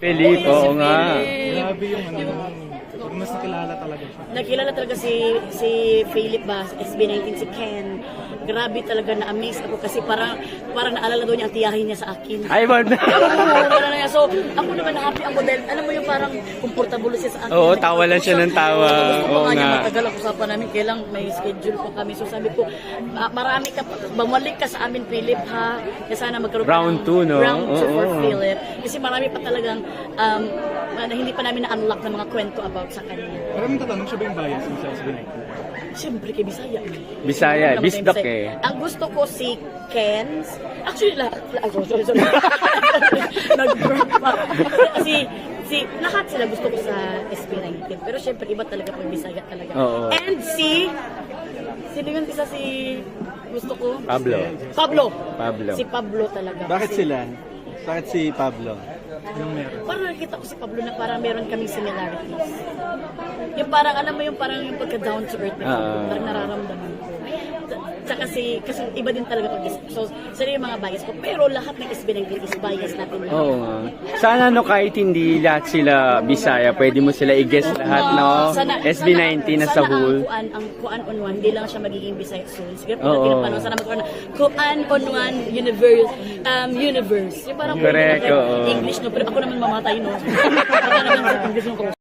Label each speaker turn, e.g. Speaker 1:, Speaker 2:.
Speaker 1: Philip, oo nga.
Speaker 2: Grabe yung ano, mas nakilala talaga siya.
Speaker 3: Nakilala talaga si Philip ba, SB19, si Ken. Grabe talaga na-amaze ako kasi parang naalala doon niya ang tiyahin niya sa akin.
Speaker 1: Ay, wala.
Speaker 3: So, ako naman happy ang model. Alam mo yung parang comfortable siya sa akin.
Speaker 1: Oo, tawa lang siya ng tawa.
Speaker 3: Gusto ko
Speaker 1: Oo
Speaker 3: nga niya
Speaker 1: nga.
Speaker 3: matagal ang usapan namin. Kailang may schedule pa kami. So sabi ko, marami ka, bumalik ka sa amin, Philip, ha? Kaya sana magkaroon
Speaker 1: Round
Speaker 3: ka
Speaker 1: 2, no?
Speaker 3: Round 2 for
Speaker 1: Oo.
Speaker 3: Philip. Kasi marami pa talagang na hindi pa namin na-unlock ng mga kwento about sa kanya.
Speaker 2: Maraming tatanong siya ba yung bias mo sa SB19?
Speaker 3: Siyempre kay Bisaya.
Speaker 1: Bisaya,
Speaker 3: Ano naman
Speaker 1: Bisdak
Speaker 3: tayo Bisaya?
Speaker 1: eh.
Speaker 3: Ang gusto ko si Ken's. Actually, sorry. Nag-burp pa. Si lahat sila gusto ko sa SB19. Pero siyempre, iba talaga pag Bisaya talaga.
Speaker 1: Oo.
Speaker 3: And sino yun isa si gusto ko?
Speaker 1: Pablo.
Speaker 3: Si Pablo talaga.
Speaker 4: Bakit
Speaker 3: Kasi
Speaker 4: sila? Bakit si Pablo?
Speaker 2: Anong meron?
Speaker 3: Parang nakita ko si Pablo na parang meron kaming similarities. Yung parang, alam mo yung parang yung pagka down to earth na parang nararamdaman ko. Tsaka kasi iba din talaga pag so sila yung mga bias ko. Pero lahat ng SB19 is bias natin.
Speaker 1: Oo nga. Sana no, kahit hindi lahat sila Bisaya, pwede mo sila i-guess lahat, no? SB19 na sa whole.
Speaker 3: Sana ang kuan on one, hindi lang siya magiging Bisaya soon. Sige po
Speaker 1: Oo.
Speaker 3: natin paano sana magkaroon ng kuan on one universe. Yung parang
Speaker 1: Correct, oo.
Speaker 3: English no, pero ako naman mamatay no. Baka naman sa English no.